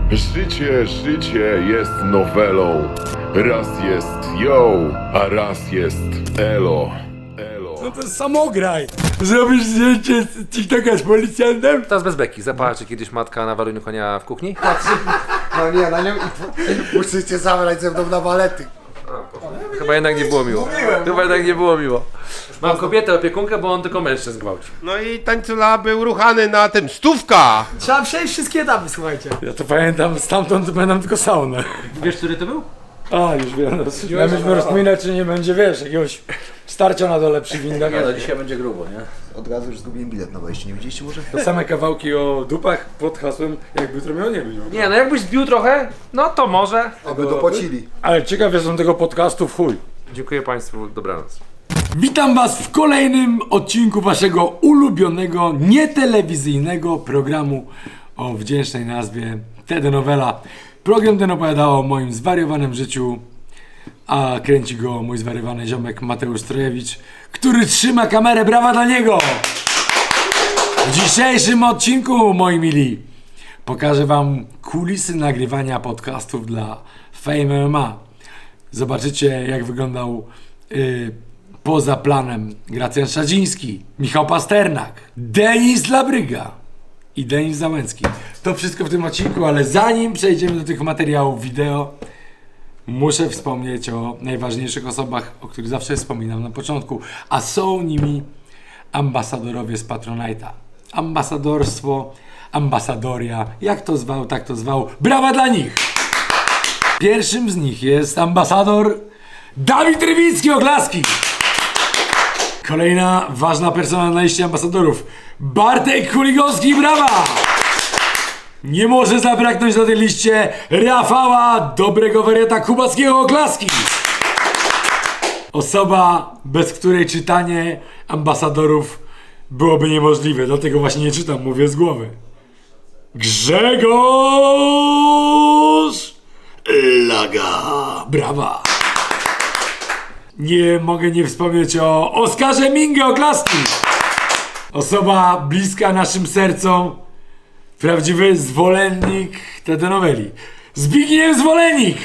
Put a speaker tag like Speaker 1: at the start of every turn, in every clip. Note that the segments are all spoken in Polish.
Speaker 1: Życie jest nowelą. Raz jest yo, a raz jest elo.
Speaker 2: No to jest samograj. Zrobisz zdjęcie z TikToka z policjantem?
Speaker 3: Teraz bez beki. Zapała czy kiedyś matka na waleniu konia w kuchni?
Speaker 4: No nie, na nią i musicie zabrać ze mną na balety.
Speaker 3: Chyba jednak nie było miło. Chyba jednak nie było miło. Mam kobietę opiekunkę, bo on tylko mężczyzn gwałci.
Speaker 5: No i tańcula był ruchany na tym. Stówka!
Speaker 6: Trzeba przejść wszystkie etapy, słuchajcie.
Speaker 2: Ja to pamiętam, stamtąd pamiętam tylko saunę.
Speaker 3: Wiesz, który to był?
Speaker 2: A, już wiem. Ja myśmy rozpominać, czy nie będzie, wiesz, jakiegoś starcia na dole przy windach.
Speaker 3: Nie no, dzisiaj będzie grubo, nie?
Speaker 4: Od razu już zgubiłem bilet na wejście, nie widzieliście może?
Speaker 2: To same kawałki o dupach pod hasłem, jakby jutro miało nie być.
Speaker 3: Nie no, jakbyś zbił trochę, no to może.
Speaker 4: Aby dopłacili.
Speaker 2: Ale ciekaw jestem tego podcastu w chuj.
Speaker 3: Dziękuję Państwu, dobranoc.
Speaker 2: Witam Was w kolejnym odcinku Waszego ulubionego, nietelewizyjnego programu o wdzięcznej nazwie Telenowela. Program ten opowiada o moim zwariowanym życiu, a kręci go mój zwariowany ziomek Mateusz Trojewicz, który trzyma kamerę. Brawa dla niego! W dzisiejszym odcinku, moi mili, pokażę Wam kulisy nagrywania podcastów dla Fame MMA. Zobaczycie, jak wyglądał poza planem Gracjan Szadziński, Michał Pasternak, Denis Labryga i Denis Załęcki. To wszystko w tym odcinku, ale zanim przejdziemy do tych materiałów wideo, muszę wspomnieć o najważniejszych osobach, o których zawsze wspominam na początku, a są nimi ambasadorowie z Patronite'a. Ambasadorstwo, ambasadoria, jak to zwał, tak to zwał. Brawa dla nich! Pierwszym z nich jest ambasador Dawid Rywicki, oklaski! Kolejna ważna persona na liście ambasadorów, Bartek Kuligowski, brawa! Nie może zabraknąć na tej liście Rafała, dobrego wariata Kubackiego, oklaski! Osoba, bez której czytanie ambasadorów byłoby niemożliwe, dlatego właśnie nie czytam, mówię z głowy. Grzegorz Laga, brawa! Nie mogę nie wspomnieć o Oskarze Mingę, oklaski! Osoba bliska naszym sercom, prawdziwy zwolennik telenoweli. Zbigniew Zwolennik!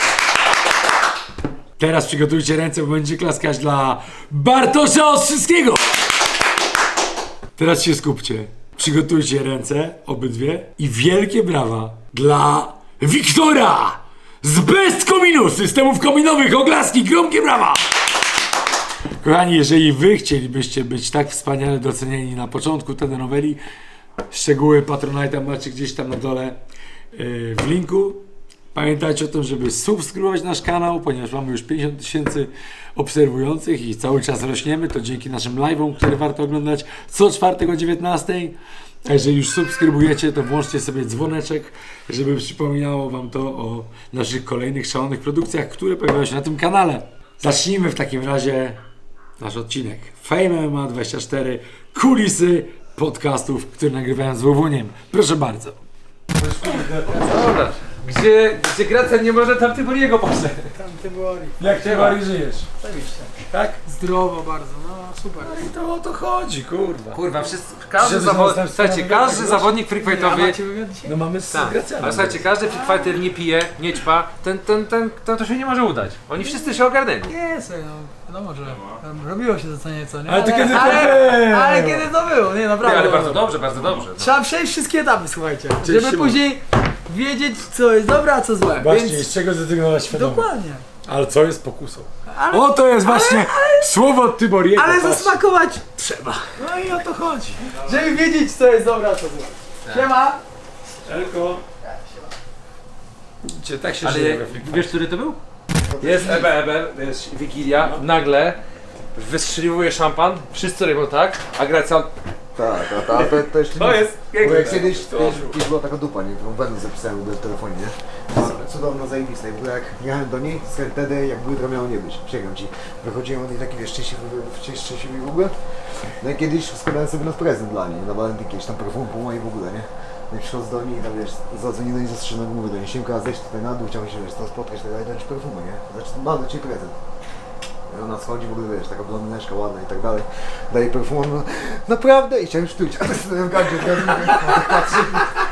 Speaker 2: Teraz przygotujcie ręce, bo będzie klaskać dla Bartosza Ostrzyckiego! Teraz się skupcie. Przygotujcie ręce, obydwie, i wielkie brawa dla Wiktora z Best Kominu, systemów kominowych, oklaski, gromkie brawa! Kochani, jeżeli wy chcielibyście być tak wspaniale docenieni na początku telenoweli, szczegóły Patronite'a macie gdzieś tam na dole w linku. Pamiętajcie o tym, żeby subskrybować nasz kanał, ponieważ mamy już 50 000 obserwujących i cały czas rośniemy. To dzięki naszym live'om, które warto oglądać co czwartek o 19:00. A jeżeli już subskrybujecie, to włączcie sobie dzwoneczek, żeby przypominało wam to o naszych kolejnych szalonych produkcjach, które pojawiają się na tym kanale. Zacznijmy w takim razie nasz odcinek Fame MMA 24, kulisy podcastów, które nagrywają z Łowuniem. Proszę bardzo.
Speaker 3: Dobra. Gdzie Gracjan nie może, tam Tyboriego poszedł.
Speaker 6: Tam ty boli.
Speaker 2: Jak ty, Mari, żyjesz?
Speaker 6: Zajebiście.
Speaker 2: Tak?
Speaker 6: Zdrowo bardzo, no super.
Speaker 2: I to o to chodzi, kurwa.
Speaker 3: Kurwa, każdy
Speaker 2: Żeby
Speaker 3: zawodnik,
Speaker 2: następstwo
Speaker 3: słuchajcie,
Speaker 2: wygrać,
Speaker 3: każdy
Speaker 2: wiesz?
Speaker 3: zawodnik
Speaker 6: A
Speaker 3: freakfightowy.
Speaker 6: macie wywiad dzisiaj?
Speaker 2: No mamy z
Speaker 3: Tak,
Speaker 2: Gracjanem.
Speaker 3: ale słuchajcie, każdy freakfighter nie pije, nie ćpa, to się nie może udać. Oni wszyscy się ogarnęli.
Speaker 6: Nie, słuchaj, no wiadomo, że tam robiło się to co nieco, nie?
Speaker 2: Ale to kiedy to
Speaker 6: ale
Speaker 2: było?
Speaker 6: kiedy to było, nie,
Speaker 3: Nie,
Speaker 6: naprawdę.
Speaker 3: ale bardzo dobrze, bardzo dobrze. No.
Speaker 6: Trzeba przejść wszystkie etapy, słuchajcie,
Speaker 2: Cześć,
Speaker 6: żeby
Speaker 2: Szymon.
Speaker 6: później wiedzieć, co jest dobre, a co złe.
Speaker 2: Właśnie,
Speaker 6: Więc
Speaker 2: z czego zrezygnować świadomie.
Speaker 6: dokładnie.
Speaker 2: Ale co jest pokusą?
Speaker 6: Ale-
Speaker 2: O, to jest właśnie słowo od Tyboriego.
Speaker 6: Ale
Speaker 2: patrz.
Speaker 6: zasmakować trzeba. No i o to chodzi. Żeby wiedzieć, co jest dobre, a co złe. Siema.
Speaker 2: Elko. Widzicie, tak się
Speaker 3: Ale
Speaker 2: żyje we Freak
Speaker 3: wiesz, który to był? Jest Ebe, jest Wigilia, nagle wystrzeliwuje szampan, wszyscy robią tak, a Gracjan...
Speaker 4: Tak, to jeszcze
Speaker 3: To jest
Speaker 4: Bo
Speaker 3: piękne.
Speaker 4: jak kiedyś była taka dupa, nie? Którą Wenus zapisałem do telefonie, nie? Cudowna, zajebista. I w ogóle jak jechałem do niej, wtedy jakby jutro miało nie być. Przyjechałem ci. Wychodziłem od niej taki, wiesz, szczęśliwy w ogóle. No i kiedyś składałem sobie na prezent dla niej, na walentynki, jakieś tam perfum po mojej w ogóle, nie? No i przychodząc do niej, tam wiesz, zadzwonię do niej zastrzeżonego, mówię do niej, Siemka, zejdź tutaj na dół, chciałbym się, wiesz, to spotkać, tak dalej, dać perfumy, nie? Znaczy, mam do ciebie prezent. I ona schodzi w ogóle, wiesz, taka blondyneczka ładna i tak dalej. Daje perfum, no naprawdę? I chciałem sztuć, a tak sobie w gardzie, tak patrzy.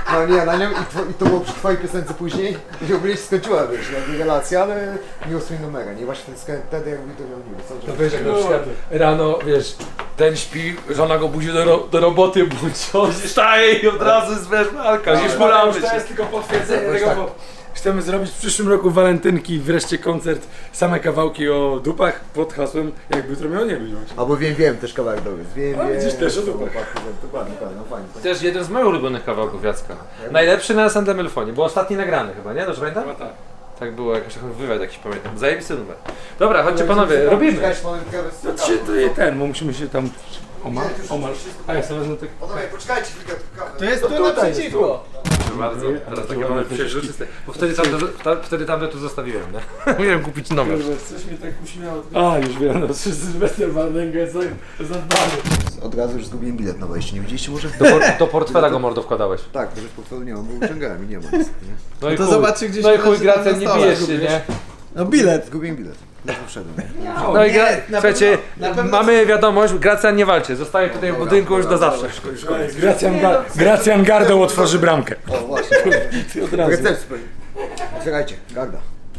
Speaker 4: No nie, na nią i to było przy twojej piosence później i ogólnie się skończyła, wiesz, jakby relacja, ale nie usłyszał numera, nie? Właśnie wtedy jakby to miał niby, co?
Speaker 3: To wiesz, jak na przykład rano, wiesz, ten śpi, żona go budzi do roboty, budzi, on wstaje i od razu jest, wiesz, walka, już
Speaker 2: Już to jest tylko potwierdzenie
Speaker 4: Jakoś
Speaker 2: tego,
Speaker 4: tak.
Speaker 2: bo chcemy zrobić w przyszłym roku walentynki, wreszcie koncert, same kawałki o dupach pod hasłem jakby jutro miało nie być. właśnie.
Speaker 4: Albo wiem, też kawałek dobry, wiem.
Speaker 2: A, widzisz, też o dupach.
Speaker 4: Dokładnie, no fajnie.
Speaker 3: Też jeden z moich ulubionych kawałków Jacka. Najlepszy na Santa Melfonie, bo ostatni nagrany chyba, nie? Dobrze pamiętam?
Speaker 2: Chyba tak.
Speaker 3: Tak było, jakoś taki wywiad jakiś pamiętam. Zajebisty numer. Dobra, chodźcie panowie, robimy.
Speaker 2: No czy to jest ten, bo musimy się tam omal. A ja sobie wezmę tak.
Speaker 4: Panowie, poczekajcie chwilkę, kawę.
Speaker 6: To jest tu naprzeciwko.
Speaker 3: Proszę bardzo. Teraz takie mamy przejrzyste. Bo wtedy tamte tu zostawiłem, nie? Miałem kupić nowe.
Speaker 2: Coś mnie tak uśmiało. A, już wiem, no Sylwester Wardęga jest zadbany.
Speaker 4: Od razu już zgubiłem bilet na wejście, nie widzieliście może?
Speaker 3: Do portfela go mordo wkładałeś.
Speaker 4: Tak, to już portfelu nie mam, bo wyciągałem i nie ma nic, nie?
Speaker 3: No i
Speaker 6: to
Speaker 3: chuj.
Speaker 6: zobaczy gdzieś
Speaker 3: No i chuj,
Speaker 6: leży tam
Speaker 3: Gracjan,
Speaker 6: na
Speaker 3: nie
Speaker 6: stole.
Speaker 3: bijesz się, nie?
Speaker 6: No bilet.
Speaker 4: Zgubiłem bilet. Ledwo wszedłem.
Speaker 3: No i
Speaker 6: na
Speaker 3: słuchajcie,
Speaker 6: na pewno-
Speaker 3: mamy wiadomość, Gracjan nie walczy, zostaje tutaj w budynku już do zawsze.
Speaker 2: Gracjan Gardą otworzy bramkę.
Speaker 4: O, właśnie.
Speaker 2: Od razu.
Speaker 4: Recepcja. Otwierajcie, garda.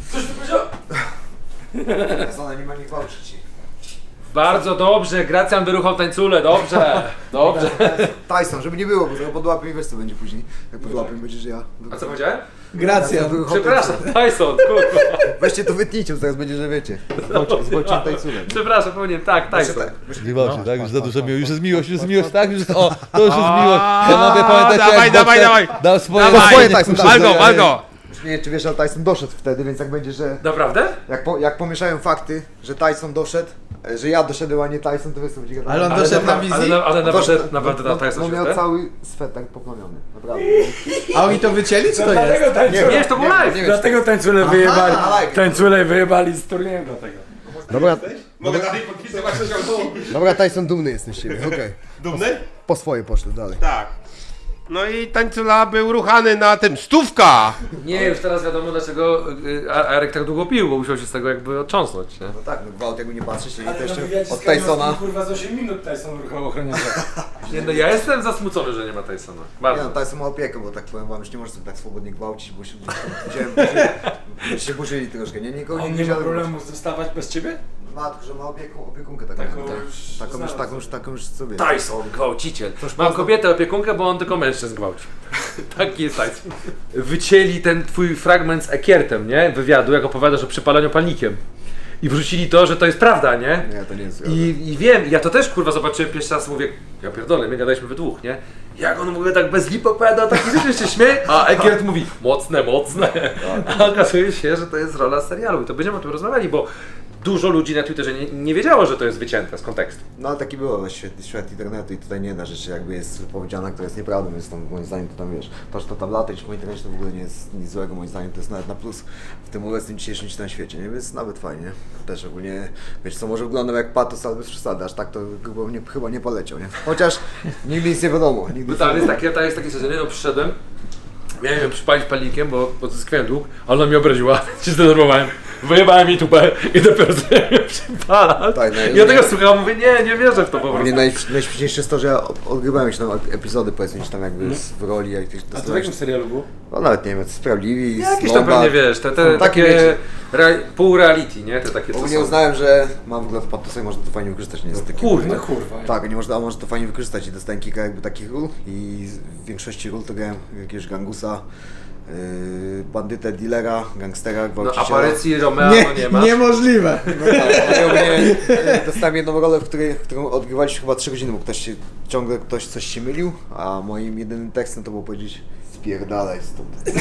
Speaker 4: Zona nie ma nie gwałczyć.
Speaker 3: Bardzo dobrze, Gracjan wyruchał tańcule, dobrze, dobrze.
Speaker 4: Tyson, żeby nie było, bo zaraz podłapię i wiesz co będzie później. Jak podłapię będzie, że ja...
Speaker 3: A co powiedziałem?
Speaker 6: Gracja.
Speaker 3: Przepraszam, Tyson, kurwa.
Speaker 4: Weźcie to wytnijcie, bo zaraz będzie, że wiecie. Zobaczyłem Tysona.
Speaker 3: Przepraszam, powinienem, tak, Tyson.
Speaker 7: Nie walczy, tak? Już za dużo miło, już jest miłość, tak? Już jest, o, to już jest miłość. Panowie, pamiętacie
Speaker 5: dawaj.
Speaker 7: dał swoje...
Speaker 4: Swoje Tyson,
Speaker 5: Wal go!
Speaker 4: Już nie wiem, czy wiesz, ale Tyson doszedł wtedy, więc jak będzie, że...
Speaker 3: Naprawdę?
Speaker 4: Jak pomieszają fakty, że Tyson doszedł, że ja doszedłem, a nie Tyson, to wiesz co będzie gadać.
Speaker 6: Ale on doszedł na wizji?
Speaker 3: Ale
Speaker 4: Doszedł,
Speaker 3: naprawdę na Tyson
Speaker 4: no
Speaker 3: się
Speaker 4: miał
Speaker 3: chce?
Speaker 4: cały swet tak poplamiony, naprawdę.
Speaker 6: A oni to wycięli, czy to jest?
Speaker 2: Dlatego tańcule,
Speaker 3: Nie, to był live.
Speaker 2: dlatego tańcule wyjebali.
Speaker 4: live.
Speaker 2: Tańcule wyjebali z turnieju dlatego.
Speaker 5: Mogę dalej podpisywać książki?
Speaker 4: Dobra, Tyson, dumny jestem z ciebie, okej.
Speaker 5: Dumny?
Speaker 4: Po swoje poszły dalej.
Speaker 5: Tak. No i tańcula był ruchany na tym, stówka!
Speaker 3: Nie, już teraz wiadomo dlaczego Arek tak długo pił, bo musiał się z tego jakby otrząsnąć, nie?
Speaker 4: No tak, no gwałt jakby nie patrzeć, nie?
Speaker 2: Ale
Speaker 4: To jeszcze
Speaker 2: no wywiadzie
Speaker 4: od
Speaker 2: z Kamińskim,
Speaker 4: Tysona.
Speaker 2: kurwa z 8 minut Tyson ruchał ochroniarza.
Speaker 3: Nie, no ja jestem zasmucony, że nie ma Tysona.
Speaker 4: Nie
Speaker 3: Bardzo.
Speaker 4: no, Tyson ma opiekę, bo tak powiem wam, już nie możesz sobie tak swobodnie gwałcić, bo się się burzyli troszkę, nie? Nikogo
Speaker 2: On nie ma
Speaker 4: widziałem.
Speaker 2: problemu zostawać bez ciebie?
Speaker 4: Matko, że ma opiekunkę taką. Taką już sobie.
Speaker 3: Tyson, gwałciciel. Mam kobietę opiekunkę, bo on tylko mężczyzn gwałci. Taki jest Tyson. Wycięli ten twój fragment z Ekiertem, nie? Wywiadu, jak opowiadasz o przypalaniu palnikiem. I wrzucili to, że to jest prawda, nie?
Speaker 4: Nie, to nie jest
Speaker 3: I wiem, ja to też kurwa zobaczyłem pierwszy raz, mówię, ja pierdolę, my gadaliśmy we dwóch, nie? Jak on mówi tak bez lipy opowiada, taki rzeczy się śmieje, a Egiert mówi, mocne. A okazuje się, że to jest rola serialu i to będziemy o tym rozmawiali, bo dużo ludzi na Twitterze nie wiedziało, że to jest wycięte z kontekstu.
Speaker 4: No ale taki było świat internetu i tutaj nie jedna rzecz jakby jest powiedziana, która jest nieprawdą, więc tam moim zdaniem to tam wiesz, to, że to tam latać po internecie to w ogóle nie jest nic złego, moim zdaniem to jest nawet na plus w tym obecnym dzisiejszym czytanym świecie, nie? Więc nawet fajnie. Też ogólnie, wiesz co, może wyglądał jak patos, ale bez przesady, aż tak to chyba nie poleciał, nie? Chociaż nigdy nic nie wiadomo. Nigdy
Speaker 3: Tam jest takie sezony, no przyszedłem, miałem ją przypalić palnikiem, bo odzyskałem dług, ale ona mnie obraziła, się zdenerwowałem. Wyjebałem jej tupę i dopiero sobie mnie przypala.
Speaker 4: Tak, no,
Speaker 3: Ja tego słucham, mówię, nie wierzę w to po prostu.
Speaker 4: mnie najśmieszniejsze jest to, że ja odgrywałem już tam epizody, powiedzmy, czy tam jakby w roli, jak tych
Speaker 2: A to w jakim serialu było?
Speaker 4: no nawet nie wiem, Sprawiedliwi,
Speaker 3: Jakieś tam pewnie wiesz, te takie
Speaker 4: wiecie.
Speaker 3: pół reality, nie? Te takie co
Speaker 4: Ogólnie
Speaker 3: są.
Speaker 4: uznałem, że mam wygląd patosa i można to fajnie wykorzystać, nie jest taki...
Speaker 3: Kurde.
Speaker 2: No kurwa.
Speaker 4: Tak, nie można, a można to fajnie wykorzystać i dostałem kilka jakby takich ról i w większości ról to grałem jakiegoś gangusa, bandytę, dealera, gangstera,
Speaker 3: No
Speaker 4: gwałciciela.
Speaker 3: aparycji Romeo nie ma.
Speaker 6: Niemożliwe.
Speaker 4: Ja ogólnie, dostałem jedną rolę, którą odgrywaliśmy chyba 3 godziny, bo ciągle ktoś coś się mylił, a moim jedynym tekstem to było powiedzieć spierdalaj stąd.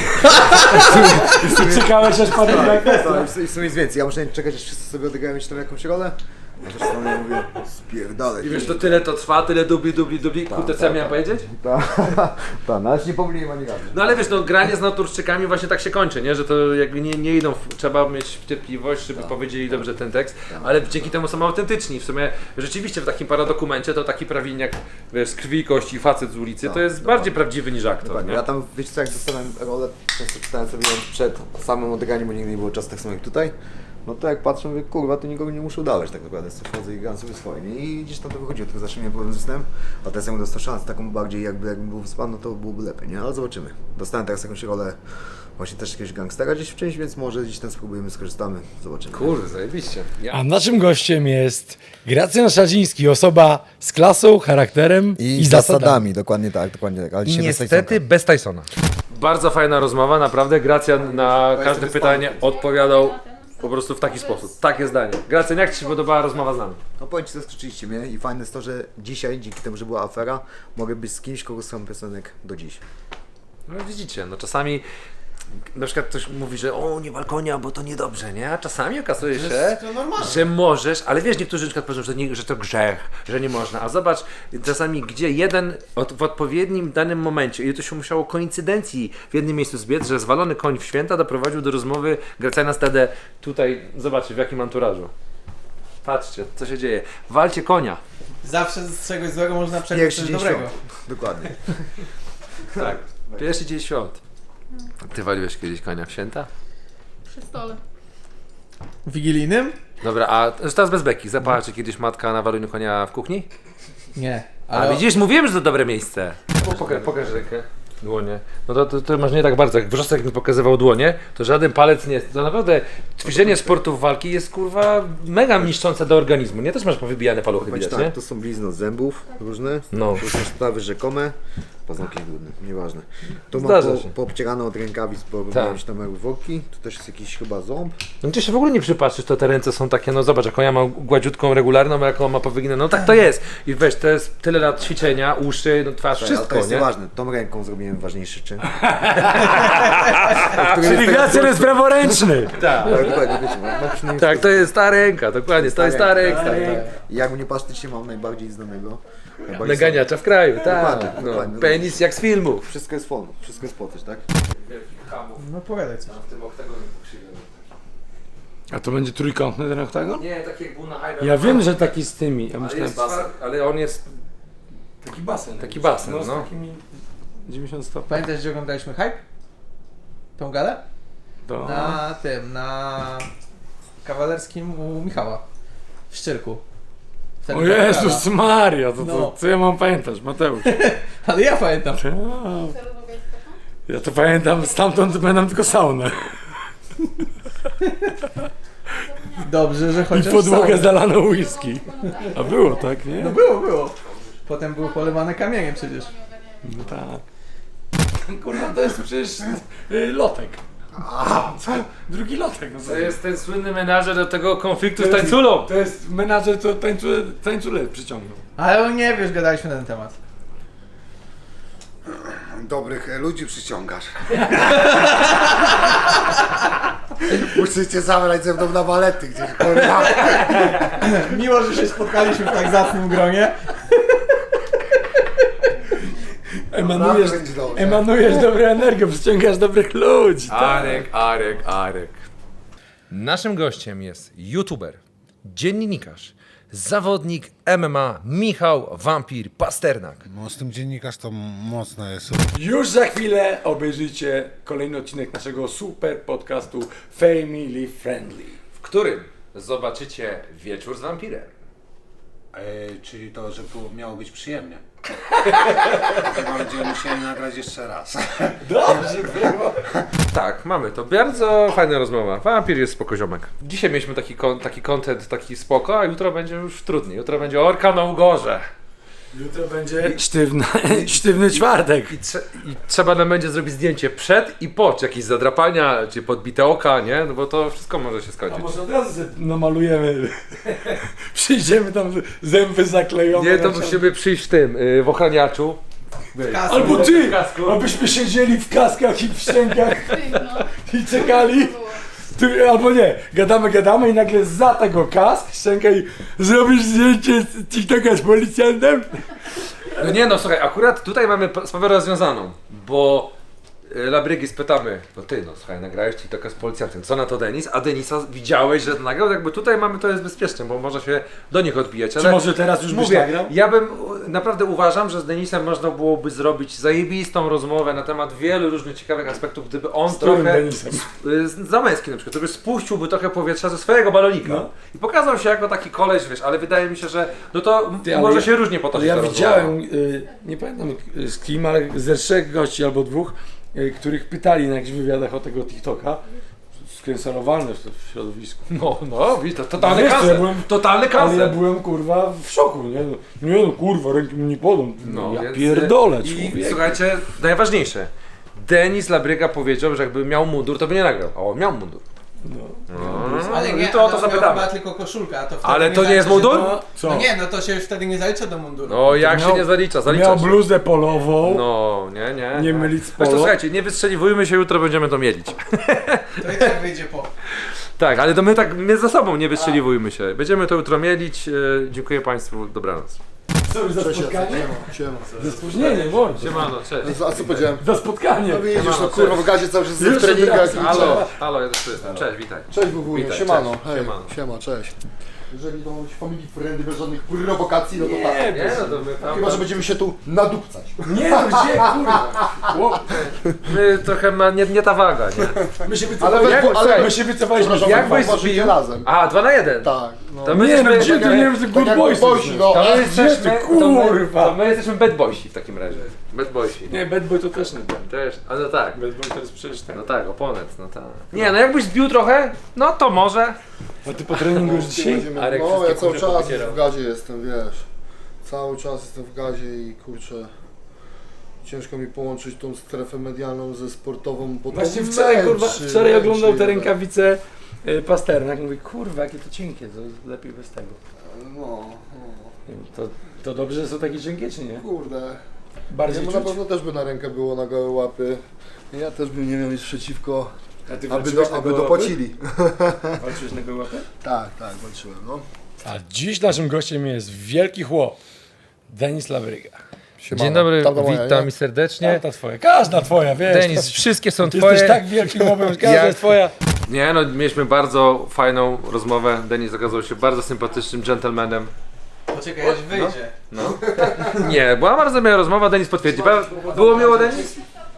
Speaker 2: Czekałeś aż padł na
Speaker 4: I w sumie jest więcej, ja muszę czekać, aż wszyscy sobie odegrają jeszcze tam jakąś rolę, a zresztą ja mówię spierdalaj.
Speaker 3: I wiesz, to tyle to trwa, tyle dubli, kurde, co ja miałem powiedzieć?
Speaker 4: Tak, no ale nie pomyliłem ani razu.
Speaker 3: No ale wiesz, no granie z naturszczykami właśnie tak się kończy, nie? Że to jakby nie idą, trzeba mieć cierpliwość, żeby powiedzieli dobrze ten tekst, ale dzięki temu są autentyczni. W sumie rzeczywiście w takim paradokumencie to taki prawilniak, wiesz, z krwi i kości, facet z ulicy, to jest bardziej prawdziwy niż aktor,
Speaker 4: Tak,
Speaker 3: nie?
Speaker 4: ja tam, wiecie co, jak dostałem rolę, często czytałem sobie ją przed samym odegraniem, bo nigdy nie było czasu tak samo jak tutaj. No to jak patrzę, mówię, kurwa, to nikogo nie muszę udawać tak naprawdę, wchodzę i gram sobie swoje, nie? I gdzieś tam to wychodziło, tylko zawsze miałem problem z snem, a teraz jakbym dostał szansę taką bardziej, jakbym był wyspany, no to byłoby lepiej, nie? Ale zobaczymy. Dostałem teraz jakąś rolę właśnie też jakiegoś gangstera gdzieś w czymś, więc może gdzieś tam spróbujemy, skorzystamy, zobaczymy.
Speaker 3: Kurde, zajebiście.
Speaker 2: A naszym gościem jest Gracjan Szadziński, osoba z klasą, charakterem i zasadami.
Speaker 4: dokładnie tak, Ale
Speaker 3: I
Speaker 4: dzisiaj
Speaker 3: niestety bez Tysona. Bardzo fajna rozmowa, naprawdę. Gracjan na każde pytanie odpowiadał po prostu w taki sposób. Takie zdanie. Gracjan, jak Ci się podobała rozmowa z nami?
Speaker 4: No powiem Ci, zaskoczyliście mnie i fajne jest to, że dzisiaj, dzięki temu, że była afera, mogę być z kimś, kogo słucham piosenek do dziś.
Speaker 3: No widzicie, no czasami na przykład ktoś mówi, że o, nie wal konia, bo to niedobrze, nie? A czasami okazuje się, że możesz, ale wiesz, niektórzy na przykład powiedzą, że to grzech, że nie można. A zobacz, czasami gdzie jeden w odpowiednim danym momencie, i to się musiało koincydencji w jednym miejscu zbiec, że zwalony koń w święta doprowadził do rozmowy Gracjana Stedę tutaj, zobaczcie w jakim anturażu. Patrzcie, co się dzieje. Walcie konia.
Speaker 6: Zawsze z czegoś złego można przejąć
Speaker 4: Pierwszy
Speaker 6: coś
Speaker 4: dzień
Speaker 6: dobrego.
Speaker 4: świąt. Dokładnie.
Speaker 3: Tak. Pierwszy dzień świąt. Ty waliłeś kiedyś konia w święta?
Speaker 8: Przy stole.
Speaker 6: Wigilijnym?
Speaker 3: Dobra, a teraz bez beki. Zapała Cię kiedyś matka na waleniu konia w kuchni?
Speaker 6: Nie.
Speaker 3: A widzisz, mówiłem, że to dobre miejsce. Pokaż rękę. Dłonie. No to masz nie tak bardzo. Jak Wrzosek mi pokazywał dłonie, to żaden palec nie jest. To naprawdę ćwiczenie sportów walki jest kurwa mega niszczące do organizmu. Nie też masz powybijane paluchy,
Speaker 4: Bądź
Speaker 3: widać,
Speaker 4: tak,
Speaker 3: nie?
Speaker 4: to są blizny od zębów różne,
Speaker 3: No.
Speaker 4: to są sprawy rzekome, paznokcie brudne, nieważne. Tu
Speaker 3: Zdarza
Speaker 4: mam
Speaker 3: się.
Speaker 4: poobcierane od rękawic, bo
Speaker 3: Tak.
Speaker 4: robiłem się tam jak worki, tu też jest jakiś chyba ząb.
Speaker 3: No ty się w ogóle nie przypatrzysz, to te ręce są takie, no zobacz, jaką ja mam gładziutką, regularną, a jaką on ma powyginę. No tak to jest. I weź, to jest tyle lat ćwiczenia, uszy, no twarz,
Speaker 4: Ale
Speaker 3: wszystko,
Speaker 4: to jest
Speaker 3: nie?
Speaker 4: nieważne, tą ręką zrobiłem ważniejszy czyn.
Speaker 2: Czyli Gracjan jest praworęczny.
Speaker 3: Tak.
Speaker 4: Ale dokładnie, wiecie, ma przynajmniej
Speaker 3: Tak, to jest ta ręka, dokładnie, to jest ta ręka.
Speaker 4: I jak mnie patrzcie, mam najbardziej znanego.
Speaker 3: Naganiacza w kraju, tak.
Speaker 4: Dokładnie,
Speaker 3: No,
Speaker 4: dokładnie.
Speaker 3: penis jak z filmów.
Speaker 4: Wszystko jest fon, wszystko jest po coś, tak?
Speaker 6: No powiadaj coś.
Speaker 2: A to będzie trójkątny ten oktagon?
Speaker 3: Nie, taki jak był na Iron
Speaker 2: Ja wiem, że taki z tymi. Ja
Speaker 3: Ale,
Speaker 2: myślałem,
Speaker 3: jest basen, ale on jest
Speaker 2: taki basen.
Speaker 3: taki basen,
Speaker 2: Z
Speaker 3: no.
Speaker 2: takimi 90 stopni.
Speaker 6: Pamiętasz, gdzie oglądaliśmy Hype? Tą galę?
Speaker 2: To...
Speaker 6: Na Kawalerskim u Michała. W Szczyrku. Wtedy
Speaker 2: O
Speaker 6: była
Speaker 2: Jezus
Speaker 6: gala.
Speaker 2: Maria, to
Speaker 6: No.
Speaker 2: co ja mam pamiętać, Mateusz?
Speaker 6: Ale ja pamiętam.
Speaker 2: Ja to pamiętam, stamtąd pamiętam tylko saunę.
Speaker 6: Dobrze, że
Speaker 2: I
Speaker 6: chociaż
Speaker 2: podłogę
Speaker 6: sam.
Speaker 2: zalano whisky. A było tak, nie?
Speaker 6: No było. Potem było polewane kamieniem przecież.
Speaker 2: No tak. Kurwa, to jest przecież lotek. Drugi lotek. No
Speaker 3: To jest ten słynny menażer do tego konfliktu z tańculą.
Speaker 2: To jest menadżer, co tańcule przyciągnął.
Speaker 6: Ale on nie wiesz, gadaliśmy na ten temat.
Speaker 9: Dobrych ludzi przyciągasz. Musicie zabrać ze mną na balety gdzieś, kurwa.
Speaker 6: Miło, że się spotkaliśmy w tak zacnym gronie.
Speaker 9: Będzie dobrze.
Speaker 2: Emanujesz dobrą energię, przyciągasz dobrych ludzi. Tak.
Speaker 3: Arek. Naszym gościem jest youtuber, dziennikarz, zawodnik MMA Michał Wampir Pasternak.
Speaker 9: No z tym dziennikarz to mocno jest.
Speaker 2: Już za chwilę obejrzycie kolejny odcinek naszego super podcastu Family Friendly.
Speaker 3: W którym zobaczycie wieczór z wampirem.
Speaker 9: Czyli to, że tu miało być przyjemnie. Chyba będziemy musieli nagrać jeszcze raz.
Speaker 2: Dobrze było.
Speaker 3: Tak, mamy to. Bardzo fajna rozmowa. Wampir jest spokoziomek. Dzisiaj mieliśmy taki content, taki spoko, a jutro będzie już trudniej. Jutro będzie orka na ugorze.
Speaker 2: Jutro będzie sztywny czwartek.
Speaker 3: I trzeba nam będzie zrobić zdjęcie przed i po, czy jakieś zadrapania, czy podbite oka, nie? No bo to wszystko może się
Speaker 2: A
Speaker 3: skończyć.
Speaker 2: może od razu sobie namalujemy, przyjdziemy tam zęby zaklejone.
Speaker 3: Nie, to musimy przyjść w tym, w ochraniaczu.
Speaker 2: Albo ty, abyśmy siedzieli w kaskach i w szczękach i czekali. Albo nie, gadamy i nagle za tego kask, szczęka i zrobisz zdjęcie z TikToka z policjantem?
Speaker 3: No nie no, słuchaj, akurat tutaj mamy sprawę rozwiązaną, bo Labrygi spytamy, no ty, no słuchaj, nagrałeś TikToka z policjantem, co na to Denis? A Denisa widziałeś, że nagrał? Jakby tutaj mamy, to jest bezpieczne, bo można się do nich odbijać, ale
Speaker 2: Czy może teraz już byś
Speaker 3: mówię,
Speaker 2: nagrał?
Speaker 3: ja bym, naprawdę uważam, że z Denisem można byłoby zrobić zajebistą rozmowę na temat wielu różnych ciekawych aspektów, gdyby on
Speaker 2: którym
Speaker 3: trochę,
Speaker 2: Denisem?
Speaker 3: Zamęski na przykład, gdyby spuściłby trochę powietrza ze swojego balonika
Speaker 2: No.
Speaker 3: i pokazał się jako taki koleś, wiesz, ale wydaje mi się, że no to
Speaker 2: Ty, ale
Speaker 3: może
Speaker 2: ja-
Speaker 3: się różnie
Speaker 2: Ale
Speaker 3: potoczyć
Speaker 2: ja
Speaker 3: ta
Speaker 2: widziałem, nie pamiętam z kim, ale ze 3 gości albo 2, których pytali na jakichś wywiadach o tego TikToka. Skancelowalne w środowisku.
Speaker 3: No, widzisz, to totalny
Speaker 2: Wiesz, co, ja
Speaker 3: kancel,
Speaker 2: byłem-
Speaker 3: totalny
Speaker 2: Ale ja
Speaker 3: kancel.
Speaker 2: byłem kurwa w szoku, nie? Nie no kurwa, ręki mi nie podam.
Speaker 3: No,
Speaker 2: ja
Speaker 3: więc-
Speaker 2: pierdolę,
Speaker 3: I
Speaker 2: człowiek.
Speaker 3: słuchajcie, najważniejsze. Denis Labryga powiedział, że jakby miał mundur, to by nie nagrał. A on miał mundur.
Speaker 6: Ale
Speaker 3: I
Speaker 6: nie,
Speaker 3: to o to
Speaker 6: ale on miał
Speaker 3: zapytamy.
Speaker 6: chyba tylko koszulka, a to wtedy
Speaker 3: Ale to nie jest
Speaker 6: zalicza się
Speaker 3: mundur?
Speaker 6: do-
Speaker 2: Co?
Speaker 6: No nie, no to się już wtedy nie zalicza do munduru.
Speaker 3: No jak
Speaker 2: miał-
Speaker 3: się nie zalicza? Zalicza
Speaker 2: Miał
Speaker 3: się.
Speaker 2: bluzę polową,
Speaker 3: No, nie.
Speaker 2: nie mylić z
Speaker 3: Zresztą
Speaker 2: polo.
Speaker 3: słuchajcie, nie wystrzeliwujmy się, jutro będziemy to mielić.
Speaker 6: To i tak wyjdzie po.
Speaker 3: Tak, ale to my za sobą nie wystrzeliwujmy się. Będziemy to jutro mielić. Dziękuję Państwu, dobranoc.
Speaker 2: Sorry za spotkanie.
Speaker 4: Siema.
Speaker 2: Ze spóźnieniem, bądź.
Speaker 3: Siemano, cześć.
Speaker 4: A co powiedziałem?
Speaker 2: Za spotkanie.
Speaker 4: No widzisz,
Speaker 3: Siemano,
Speaker 4: no kurwa, w gazie cały czas w
Speaker 2: Już
Speaker 4: treningach.
Speaker 2: od razu.
Speaker 3: Halo, ja też tu jestem. Cześć, witaj.
Speaker 4: Cześć Wuwunie,
Speaker 3: Witaj,
Speaker 4: siemano.
Speaker 3: cześć,
Speaker 4: Hej,
Speaker 3: siemano.
Speaker 4: siema, cześć. Jeżeli to być family friendly bez żadnych prowokacji, no to tak.
Speaker 3: Nie, no to my tam...
Speaker 4: Chyba, że będziemy się tu nadupcać.
Speaker 2: Nie no, gdzie kurwa? Chłop,
Speaker 3: My trochę nie ta waga, nie?
Speaker 2: my się
Speaker 4: Ale
Speaker 2: wycofaliśmy.
Speaker 4: ale
Speaker 2: My się wycofaliśmy.
Speaker 4: Przepraszam,
Speaker 3: Jak
Speaker 4: jak
Speaker 3: byś
Speaker 4: byś
Speaker 3: zbił?
Speaker 4: razem.
Speaker 3: A, 2 na 1.
Speaker 4: Tak, no.
Speaker 3: To my
Speaker 2: Nie no,
Speaker 3: jesteśmy-
Speaker 2: gdzie ty nie wiem, że good
Speaker 4: jak
Speaker 2: boys
Speaker 4: boysi,
Speaker 2: jesteśmy.
Speaker 4: no.
Speaker 3: To my
Speaker 2: Gdzie
Speaker 3: jesteśmy...
Speaker 2: ty, kurwa?
Speaker 3: To my jesteśmy bad boysi w takim razie. Bad boysi.
Speaker 2: Nie, bad boy to też nie ten.
Speaker 3: Też, ale no tak.
Speaker 2: Bad boy to jest przecież ten.
Speaker 3: No tak, oponent, no tak. Nie, no jakbyś zbił trochę, no to może.
Speaker 2: A ty po treningu już dzisiaj?
Speaker 4: Będziemy-
Speaker 3: Arek
Speaker 4: No,
Speaker 3: wszystkie
Speaker 4: ja cały
Speaker 3: kurze
Speaker 4: czas
Speaker 3: popocierał.
Speaker 4: w gazie jestem, wiesz. Cały czas jestem w gazie i kurczę. Ciężko mi połączyć tą strefę medialną ze sportową, bo
Speaker 2: Właśnie
Speaker 4: to
Speaker 2: wczoraj, kurwa,
Speaker 4: męczy,
Speaker 2: wczoraj oglądał te
Speaker 4: męczy,
Speaker 2: rękawice Pasternak. Mówi, kurwa, jakie to cienkie, to lepiej bez tego.
Speaker 4: No,
Speaker 2: Nie wiem, to dobrze, że są takie cienkie, czy nie?
Speaker 4: kurde.
Speaker 2: Bardziej
Speaker 4: Jemu na pewno też by na rękę było na gołe łapy. Ja też bym nie miał nic przeciwko,
Speaker 2: A ty
Speaker 4: aby dopłacili.
Speaker 2: Walczyłeś na gołe łapy?
Speaker 4: Tak, walczyłem, no.
Speaker 2: A dziś naszym gościem jest wielki chłop, Denis Labryga.
Speaker 4: Siemano.
Speaker 3: Dzień dobry,
Speaker 4: Tamta moja,
Speaker 3: witam
Speaker 4: nie?
Speaker 3: i serdecznie.
Speaker 2: Ta twoja, każda twoja, wiesz.
Speaker 3: Denis, wszystkie są
Speaker 2: Ty
Speaker 3: twoje.
Speaker 2: jesteś tak wielkim chłopem, że każda
Speaker 3: Jak-
Speaker 2: jest twoja.
Speaker 3: Nie no, mieliśmy bardzo fajną rozmowę. Denis okazał się bardzo sympatycznym gentlemanem.
Speaker 6: Poczekaj, aż wyjdzie.
Speaker 3: No. Nie, była bardzo miła rozmowa, Denis potwierdzi. Było miło, Denis?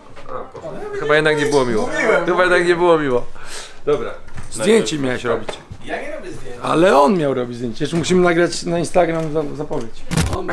Speaker 3: Chyba jednak nie było miło. Chyba jednak nie było miło. Dobra.
Speaker 2: Zdjęcie miałeś robić.
Speaker 6: Ja nie robię zdjęć.
Speaker 2: Ale on miał robić zdjęcie. Jeszcze musimy nagrać na Instagram zapowiedź.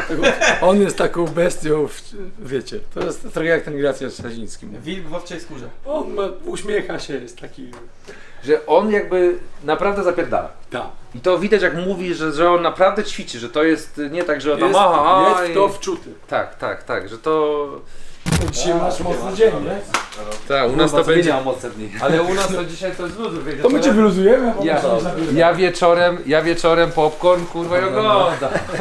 Speaker 2: On jest taką bestią, wiecie, to jest trochę jak ten Gracja Staziński.
Speaker 6: Wilk w owczej skórze.
Speaker 2: On uśmiecha się, jest taki...
Speaker 3: Że on jakby naprawdę zapierdala.
Speaker 2: Tak.
Speaker 3: I to widać jak mówi, że on naprawdę ćwiczy, że to jest nie tak, że on tam
Speaker 2: Jest to wczuty.
Speaker 3: Tak, że to...
Speaker 2: Dzisiaj masz mocny dzień, nie?
Speaker 3: Tak, u nas to będzie...
Speaker 7: mocne dni.
Speaker 3: Ale u nas to dzisiaj to jest luzu, wiecie.
Speaker 2: To my cię wyluzujemy, a
Speaker 3: Ja,
Speaker 2: potem się
Speaker 3: ja wieczorem popcorn kurwa i oglądam.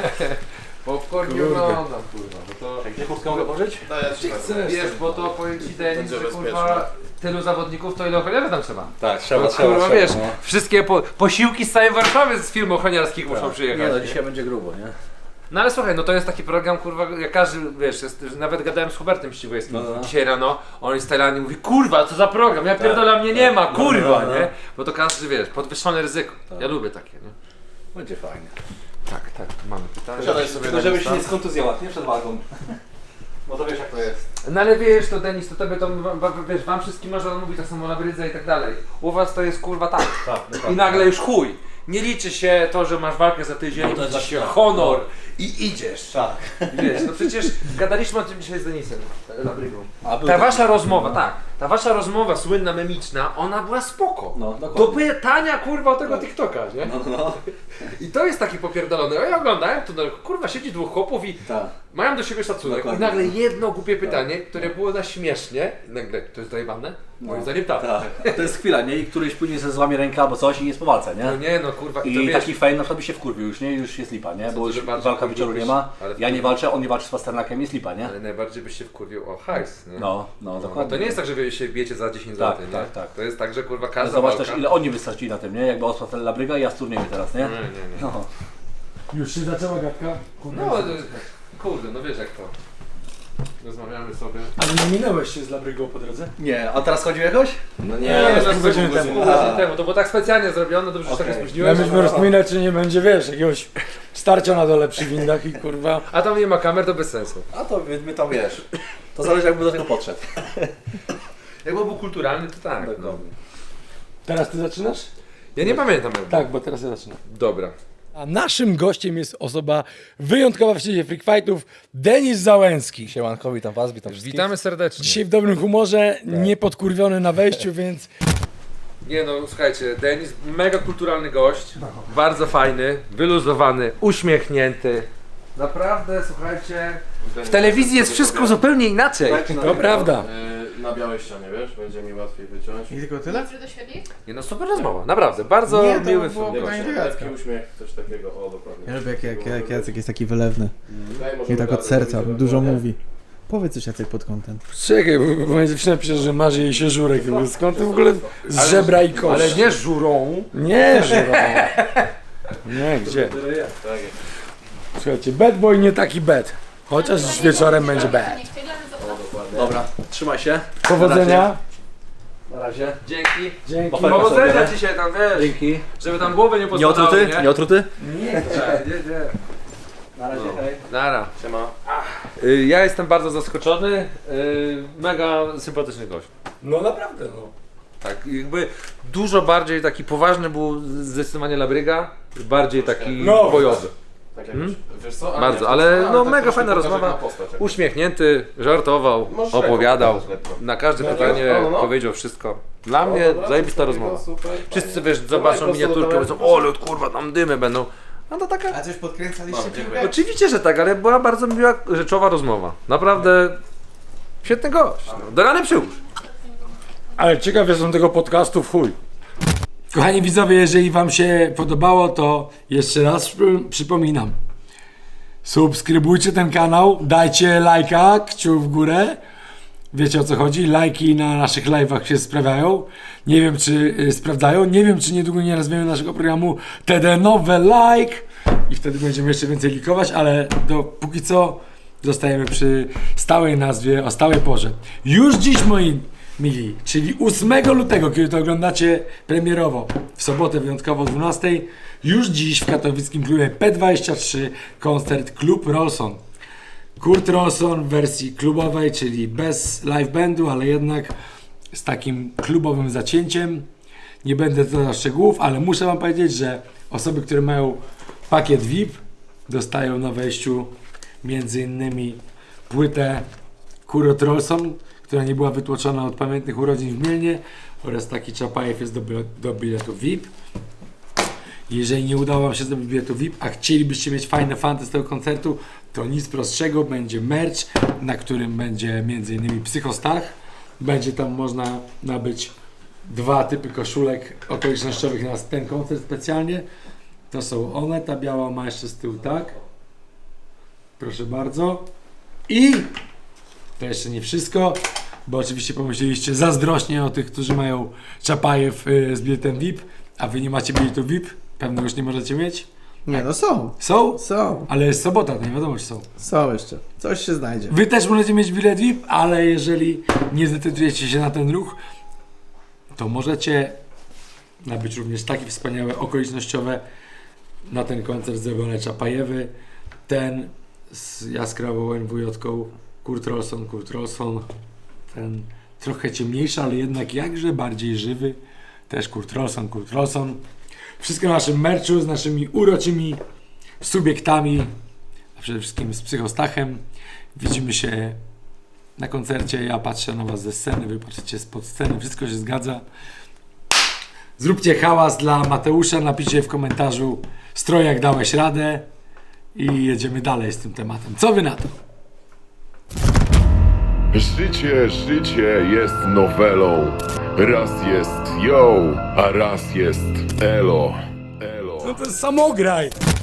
Speaker 3: Popcorn i oglądam kurwa, bo to...
Speaker 7: Gdzie chustkę mogę pożyć?
Speaker 3: Wiesz, bo to powiem ci Denis, że kurwa tylu zawodników to ile ochroniarzy tam trzeba.
Speaker 7: Tak,
Speaker 3: No, kurwa wiesz, wszystkie posiłki z całej Warszawy z firm ochroniarskich muszą
Speaker 7: Nie
Speaker 3: przyjechać.
Speaker 7: no, dzisiaj będzie grubo, nie?
Speaker 3: No ale słuchaj, no to jest taki program, kurwa, jak każdy, wiesz, nawet gadałem z Hubertem Ścigłejskim
Speaker 7: No.
Speaker 3: dzisiaj rano, on jest w Tajlandii, mówi, kurwa, co za program, ja pierdolę, mnie nie ma, kurwa,
Speaker 7: no.
Speaker 3: nie? Bo to każdy, wiesz, podwyższone ryzyko, ja lubię takie, nie?
Speaker 7: Będzie fajnie.
Speaker 3: Tak, mamy pytanie.
Speaker 7: Tylko żebyś się nie skontuzjował, nie przed walką. Bo to wiesz jak to jest.
Speaker 3: No ale wiesz, to Denis, to tobie to, wiesz, wam wszystkim można mówić tak samo na brydze i tak dalej. U was to jest kurwa tak. I nagle już chuj. Nie liczy się to, że masz walkę za tydzień,
Speaker 7: to jest
Speaker 3: liczy się
Speaker 7: tak.
Speaker 3: honor i idziesz.
Speaker 7: Tak.
Speaker 3: Wiesz, no przecież gadaliśmy o tym dzisiaj z Denisem, Labrygą.
Speaker 7: A był
Speaker 3: Ta
Speaker 7: taki-
Speaker 3: wasza rozmowa, tak, ta wasza rozmowa słynna, memiczna, ona była spoko.
Speaker 7: No,
Speaker 3: Do
Speaker 7: dokładnie.
Speaker 3: pytania kurwa o tego TikToka, nie?
Speaker 7: No.
Speaker 3: I to jest taki popierdolony. A ja oglądałem, to kurwa siedzi dwóch chłopów i
Speaker 7: Tak.
Speaker 3: mają do siebie szacunek.
Speaker 7: Dokładnie.
Speaker 3: I nagle jedno głupie pytanie, które było na śmiesznie, i nagle to jest zajebane? Moim zdaniem tak.
Speaker 7: Tak. To jest chwila, nie? I któryś później ze złamie ręka albo coś i jest po walce, nie?
Speaker 3: No nie no kurwa i to
Speaker 7: I
Speaker 3: wiesz,
Speaker 7: taki fame na przykład by się wkurwił już, nie? Już jest lipa, nie? Bo
Speaker 3: to,
Speaker 7: już
Speaker 3: że bardziej
Speaker 7: walka wieczoru nie
Speaker 3: wkurwiłbyś,
Speaker 7: ma.
Speaker 3: ale
Speaker 7: Ja nie walczę, on nie walczy z Pasternakiem, jest lipa, nie?
Speaker 3: ale najbardziej byś się wkurwił o hajs, nie?
Speaker 7: No,
Speaker 3: No,
Speaker 7: dokładnie.
Speaker 3: to nie jest tak, że wy się bijecie za 10
Speaker 7: Tak,
Speaker 3: zł, nie?
Speaker 7: tak, tak.
Speaker 3: To jest tak, że kurwa
Speaker 7: Ale
Speaker 3: każda
Speaker 7: zobacz
Speaker 3: walka...
Speaker 7: też ile oni wystarczyli na tym, nie? Jakby Oswald Labryga i ja z turnieju teraz, nie?
Speaker 3: Nie.
Speaker 7: No.
Speaker 2: Już się zaczęła gadka? Kurde.
Speaker 3: No, kurde, no wiesz jak to. rozmawiamy sobie.
Speaker 2: Ale nie minąłeś się z Labrygą po drodze?
Speaker 6: Nie, a teraz chodził jakoś?
Speaker 2: No
Speaker 3: Nie,
Speaker 2: pół
Speaker 3: pół
Speaker 2: godziny
Speaker 3: godziny
Speaker 2: temu.
Speaker 3: temu. To było tak specjalnie zrobione, dobrze, że się tak nie
Speaker 2: Ja
Speaker 3: spóźniłeś.
Speaker 2: myśmy rozpominać, czy nie będzie, wiesz, jakiegoś starcia na dole przy windach i kurwa.
Speaker 3: A tam nie ma kamer, to bez sensu.
Speaker 6: A to my tam wiesz. To zależy jakby do tego podszedł.
Speaker 3: Jakby był kulturalny, to tak. No.
Speaker 2: Teraz ty zaczynasz?
Speaker 3: Ja nie pamiętam.
Speaker 2: Tak, bo teraz ja zaczynam.
Speaker 3: Dobra.
Speaker 2: A naszym gościem jest osoba wyjątkowa w świecie freak fightów, Denis Załęski.
Speaker 7: Siemanko, witam was, witam wszystkich.
Speaker 3: Witamy serdecznie.
Speaker 2: Dzisiaj w dobrym humorze, niepodkurwiony na wejściu, więc
Speaker 3: Nie no, słuchajcie, Denis, mega kulturalny gość, bardzo fajny, wyluzowany, uśmiechnięty. Naprawdę, słuchajcie, w telewizji jest wszystko zupełnie inaczej.
Speaker 2: to prawda.
Speaker 8: Na białej ścianie, wiesz, będzie mi łatwiej wyciąć.
Speaker 4: I tylko tyle?
Speaker 3: Nie no, super rozmowa, naprawdę, bardzo
Speaker 4: Nie, to
Speaker 3: miły
Speaker 4: było
Speaker 3: film.
Speaker 4: pytanie do
Speaker 8: Lekki
Speaker 4: Jacka.
Speaker 8: uśmiech, coś takiego, o dokładnie.
Speaker 10: Ja lubię jak Jacek jest taki wylewny.
Speaker 8: Daj, może
Speaker 10: I tak
Speaker 8: wygadać,
Speaker 10: od serca,
Speaker 8: żeby
Speaker 10: dużo
Speaker 8: było, nie?
Speaker 10: mówi. Powiedz coś Jacek pod kątem.
Speaker 2: Czekaj, bo moja dziewczyna pisze, że marzy jej się żurek. Skąd ty w ogóle z żebra i kości?
Speaker 3: Ale nie żurą.
Speaker 2: Nie, żurą. Nie, gdzie? Słuchajcie, bad boy nie taki bad. Chociaż wieczorem będzie bad.
Speaker 6: Dobra, trzymaj się.
Speaker 2: Powodzenia.
Speaker 6: Na razie.
Speaker 3: Dzięki.
Speaker 2: Dzięki.
Speaker 3: Powodzenia dzisiaj tam, wiesz,
Speaker 6: Dzięki.
Speaker 3: żeby tam głowy nie
Speaker 6: Nie
Speaker 3: pospadały,
Speaker 6: otruty?
Speaker 3: nie?
Speaker 6: Nie otruty?
Speaker 3: Nie.
Speaker 6: Na razie, hej.
Speaker 3: Nara.
Speaker 8: Siema.
Speaker 3: Ja jestem bardzo zaskoczony, mega sympatyczny gość.
Speaker 2: No naprawdę, no.
Speaker 3: Tak, jakby dużo bardziej taki poważny był zdecydowanie Labryga, bardziej taki
Speaker 2: No.
Speaker 3: bojowy.
Speaker 8: Tak jakoś, wiesz co? A
Speaker 3: Bardzo,
Speaker 8: nie,
Speaker 3: ale
Speaker 8: a,
Speaker 3: no
Speaker 8: tak
Speaker 3: mega
Speaker 8: troszkę
Speaker 3: fajna
Speaker 8: pokażę
Speaker 3: rozmowa.
Speaker 8: na postać, jak-
Speaker 3: Uśmiechnięty, żartował,
Speaker 8: Możesz
Speaker 3: opowiadał,
Speaker 8: lekko pokazać, lekko.
Speaker 3: na każde
Speaker 8: No,
Speaker 3: pytanie
Speaker 8: no, no.
Speaker 3: powiedział wszystko. Dla
Speaker 8: O,
Speaker 3: mnie
Speaker 8: dobra,
Speaker 3: zajebista
Speaker 8: coś takiego,
Speaker 3: rozmowa.
Speaker 8: super,
Speaker 3: Wszyscy
Speaker 8: fajnie.
Speaker 3: wiesz, zobaczą
Speaker 8: Dawaj,
Speaker 3: miniaturkę,
Speaker 8: prosto do
Speaker 3: powiedzą, ole kurwa, tam dymy będą. No to taka...
Speaker 10: A coś podkręcaliście?
Speaker 8: No, dziękuję.
Speaker 3: Oczywiście, że tak, ale była bardzo miła, rzeczowa rozmowa. Naprawdę świetny gość. No. Do rany przyłóż.
Speaker 2: Ale ciekaw jestem tego podcastu w chuj. Kochani widzowie, jeżeli wam się podobało, to jeszcze raz przypominam. Subskrybujcie ten kanał, dajcie lajka, kciuk w górę. Wiecie o co chodzi? Lajki na naszych live'ach się sprawiają. Nie wiem czy sprawdzają. Nie wiem czy niedługo nie nazwiemy naszego programu TD Nowe Like. I wtedy będziemy jeszcze więcej likować, ale póki co zostajemy przy stałej nazwie, o stałej porze. Już dziś moi mili, czyli 8 lutego, kiedy to oglądacie premierowo, w sobotę wyjątkowo o 12, już dziś w katowickim klubie P23 koncert Klub Rolson. Kurt Rolson w wersji klubowej, czyli bez live bandu, ale jednak z takim klubowym zacięciem. Nie będę dodał szczegółów, ale muszę wam powiedzieć, że osoby, które mają pakiet VIP, dostają na wejściu między innymi płytę Kurt Rolson, która nie była wytłoczona od pamiętnych urodzin w Mielnie, oraz taki Czapajew jest do biletu VIP. Jeżeli nie udało wam się zdobyć biletu VIP, a chcielibyście mieć fajne fanty z tego koncertu, to nic prostszego, będzie merch, na którym będzie m.in. Psychostach. Będzie tam można nabyć 2 typy koszulek okolicznościowych na ten koncert specjalnie. To są one, ta biała ma jeszcze z tyłu tak. Proszę bardzo. I to jeszcze nie wszystko, bo oczywiście pomyśleliście zazdrośnie o tych, którzy mają Czapajew z biletem VIP, a wy nie macie biletu VIP. Pewno już nie możecie mieć.
Speaker 10: Nie no są.
Speaker 2: Są?
Speaker 10: Są.
Speaker 2: Ale jest sobota, to nie wiadomo czy są.
Speaker 10: Są jeszcze. Coś się znajdzie.
Speaker 2: Wy też możecie mieć bilet VIP, ale jeżeli nie zdecydujecie się na ten ruch, to możecie nabyć również takie wspaniałe okolicznościowe na ten koncert zrobione Czapajewy. Ten z jaskrawą NWJ-ką Kurt Rolson, ten trochę ciemniejszy, ale jednak jakże bardziej żywy, też Kurt Rolson. Wszystko na naszym merchu z naszymi uroczymi subiektami, a przede wszystkim z Psychostachem. Widzimy się na koncercie, ja patrzę na was ze sceny, wy patrzycie spod sceny, wszystko się zgadza. Zróbcie hałas dla Mateusza, napiszcie w komentarzu Strojak dałeś radę i jedziemy dalej z tym tematem. Co wy na to?
Speaker 1: Życie jest nowelą. Raz jest yo, a raz jest elo.
Speaker 2: No to jest samograj!